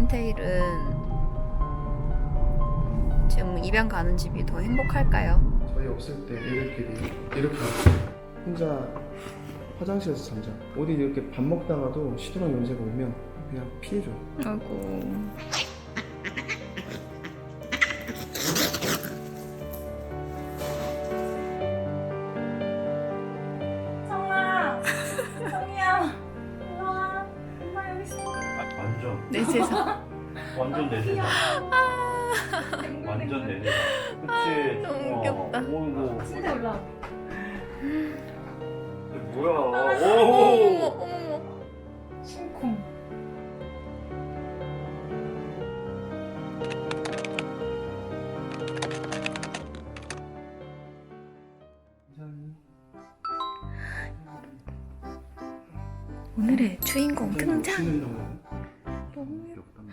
라인테일은 지금 입양 가는 집이 더 행복할까요? 저희 없을 때 애들끼리 이렇게 혼자 화장실에서 잠자. 어디 이렇게 밥 먹다가도 시도랑 연세가 오면 그냥 피해줘. 아이고. 성아! 성이야! 일로와. 엄마 여기 있어. 완전 내 세상. 완전 내 세상. 완전 내 세상. 그치? 너무 귀엽다. 어이구. 침대 올라와. 뭐야? 어머 오. 어머. 심쿵. 오늘의 주인공 등장. 너무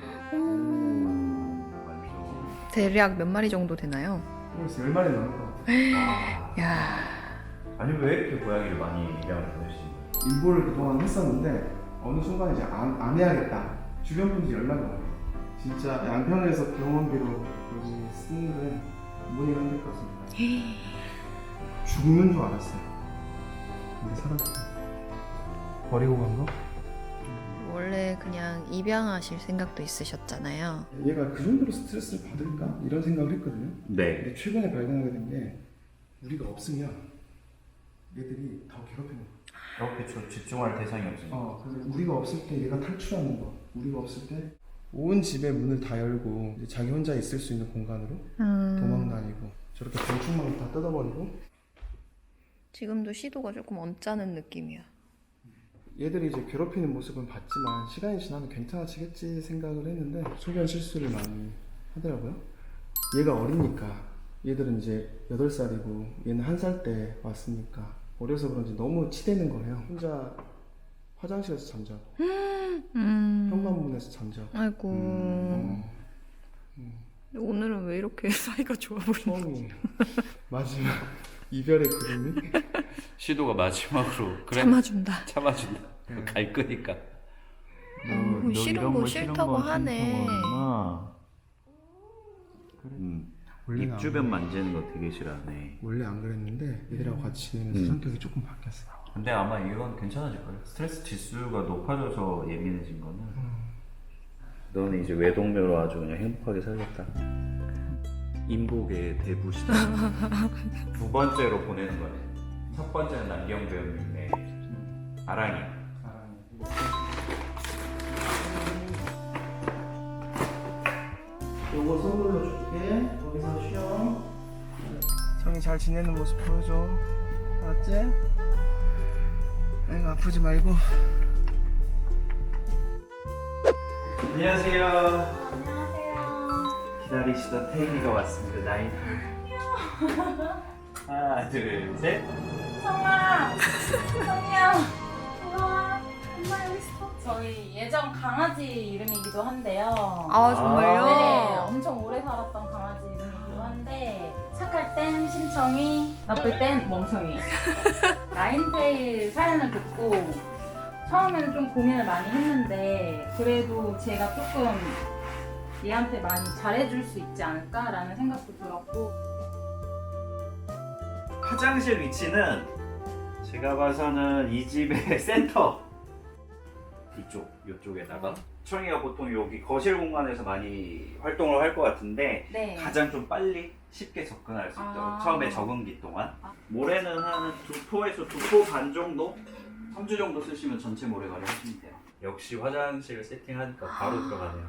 완전. 대략 몇 마리 정도 되나요? 그래서 10마리 넘을 것 같아. 야. 아니 왜 이렇게 고양이를 많이 입양을 보내시는 거예요? 인보를 그동안 했었는데 어느 순간 이제 안 해야겠다. 주변 분들이 연락이 와요. 진짜 양평에서 병원비로 여기 쓰는 데 부모님 힘들 것 같습니다. 죽는 줄 알았어요. 근데 살았어요. 버리고 간 거? 원래 그냥 입양하실 생각도 있으셨잖아요. 얘가 그 정도로 스트레스를 받을까? 이런 생각을 했거든요. 네. 근데 최근에 발견하게 된 게 우리가 없으면 얘들이 더 괴롭히는 거야. 그렇게 집중할 대상이 없으니까. 그래서 우리가 없을 때 얘가 탈출하는 거. 우리가 없을 때 온 집의 문을 다 열고 이제 자기 혼자 있을 수 있는 공간으로 도망 다니고 저렇게 건축망을 다 뜯어버리고. 지금도 시도가 조금 언짢은 느낌이야. 얘들이 이제 괴롭히는 모습은 봤지만 시간이 지나면 괜찮아지겠지 생각을 했는데 소변 실수를 많이 하더라고요. 얘가 어리니까 얘들은 이제 8살이고 얘는 1살 때 왔으니까 어려서 그런지 너무 치대는 거예요. 혼자 화장실에서 잠자고 현관문에서 잠자고. 아이고. 오늘은 왜 이렇게 사이가 좋아 보이는 처음이 마지막 이별의 그림이. 시도가 마지막으로 그래. 참아준다. 참아준다. 갈 거니까. 너 싫은 거 싫다고 하네. 원래는 입 안 주변 만지는 거 되게 싫어하네. 원래 안 그랬는데 얘들하고 같이 지내면서 성격이 조금 바뀌었어. 근데 아마 이건 괜찮아질 거예요. 스트레스 지수가 높아져서 예민해진 거는. 너는 이제 외동묘로 아주 그냥 행복하게 살겠다. 인복의 대부시다. 두 번째로 보내는 거네. 첫 번째는 남경 배우님의 아랑이. 요거 선물로 줄게. 거기서 쉬어. 성이 잘 지내는 모습 보여줘. 알았지? 아이고 아프지 말고. 안녕하세요. 안녕하세요. 기다리시던 태희가 왔습니다. 나이. 하나, 둘, 셋. 성아! 성이야! 일로와. 엄마 여기 있어. 저희 예전 강아지 이름이기도 한데요. 아 정말요? 네, 엄청 오래 살았던 강아지 이름이기도 한데 착할 땐 심청이, 나쁠 땐 멍청이. 라인테일 사연을 듣고 처음에는 좀 고민을 많이 했는데 그래도 제가 조금 얘한테 많이 잘해줄 수 있지 않을까라는 생각도 들었고. 화장실 위치는 제가 봐서는 이 집의 센터 이쪽에다가 청이가 보통 여기 거실 공간에서 많이 활동을 할 것 같은데 네. 가장 좀 빨리 쉽게 접근할 수 있도록 아. 처음에 적응기 동안 모래는 한 2포에서 2포 반 정도? 3주 정도 쓰시면 전체 모래가를 하시면 돼요. 역시 화장실 세팅하니까 바로 들어가네요.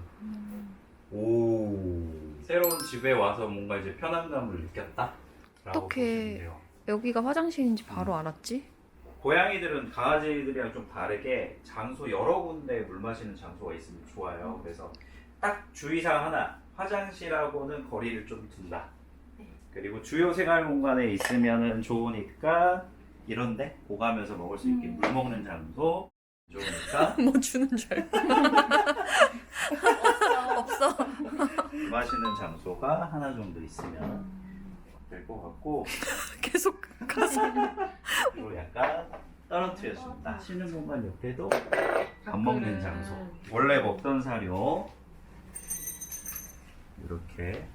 오, 새로운 집에 와서 뭔가 이제 편안감을 느꼈다? 라고 어떡해. 보시면 돼요. 여기가 화장실인지 바로 알았지? 고양이들은 강아지들이랑 좀 다르게 장소 여러 군데 물 마시는 장소가 있으면 좋아요. 그래서 딱 주의사항 하나, 화장실하고는 거리를 좀 둔다. 그리고 주요 생활 공간에 있으면 좋으니까 이런데 오가면서 먹을 수 있게 물 먹는 장소 좋으니까 뭐 주는 줄 알고. 없어. 물 마시는 장소가 하나 정도 있으면 될 것 같고 계속 가서. 그리고 약간 떨어뜨렸습니다. 쉬는 공간 옆에도 밥 먹는 장소. 원래 먹던 사료 이렇게.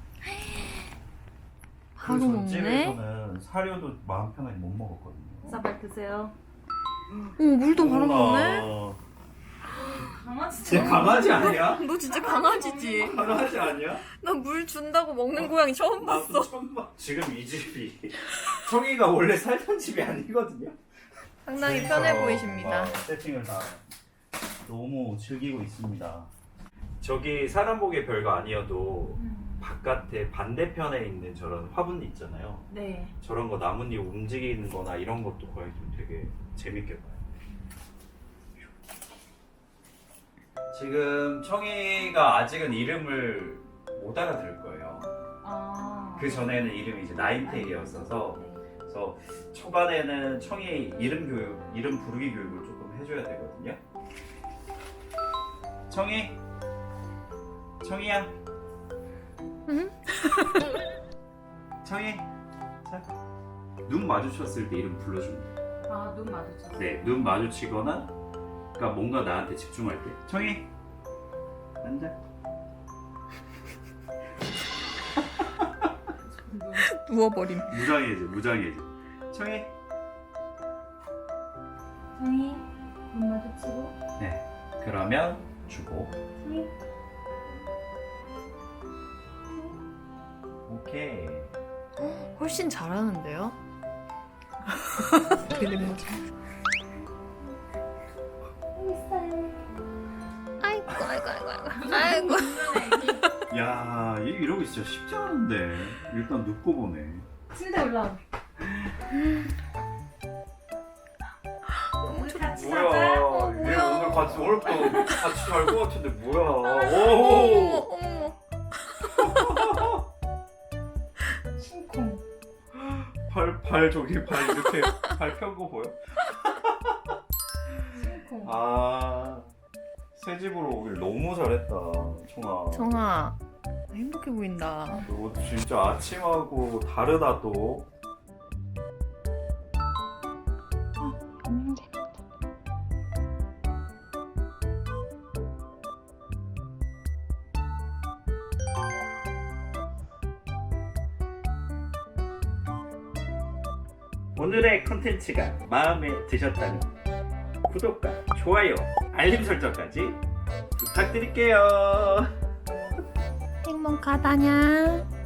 바로 먹네. 집에서는 사료도 마음 편하게 못 먹었거든요. 쌀 드세요. 오, 물도 바로 먹네. 강아지 진짜 강아지 아니야? 너 진짜 강아지지? 강아지 아니야? 나 물 준다고 먹는 고양이 처음 봤어. 나도 처음 봐. 지금 이 집이 청이가 원래 살던 집이 아니거든요. 상당히 편해 보이십니다. 세팅을 다 너무 즐기고 있습니다. 저기 사람 보기에 별거 아니어도 바깥에 반대편에 있는 저런 화분 있잖아요. 네. 저런 거 나뭇잎 움직이는 거나 이런 것도 거의 좀 되게 재밌게 봐요. 지금 청이가 아직은 이름을 못 알아들을 거예요. 아. 그 전에는 이름이 이제 나인테일이었어서 네. 그래서 초반에는 청이 이름 부르기 교육을 조금 해줘야 되거든요. 청이야. 응? 청이. 자, 눈 마주쳤을 때 이름 불러주면 돼요. 아, 눈 마주쳤어. 네, 눈 마주치거나, 그러니까 뭔가 나한테 집중할 때. 청이. 앉아. 누워버림. 무장해줘. 청이. 성이 눈 마주치고. 네. 그러면 주고. 성이. 오케이. 훨씬 잘하는데요? 되는 거죠. 아이고, 아이고. 야, 이러고 진짜 쉽지 않은데. 일단 눕고 보네. 침대 올라와. 우리 같이 자자. 뭐야? 뭐야. 얘 오늘 같이 오늘부터 같이 잘 것 같은데 뭐야? 어머, 오. 어머. 심쿵. 발 저기 발 이렇게 발 편 거 보여? 심쿵. 아, 새 집으로 오길 너무 잘했다, 청아. 정아, 행복해 보인다. 너 진짜 아침하고 다르다 또. 오늘의 콘텐츠가 마음에 드셨다면 구독과 좋아요, 알림 설정까지 부탁드릴게요. 행복하다냐?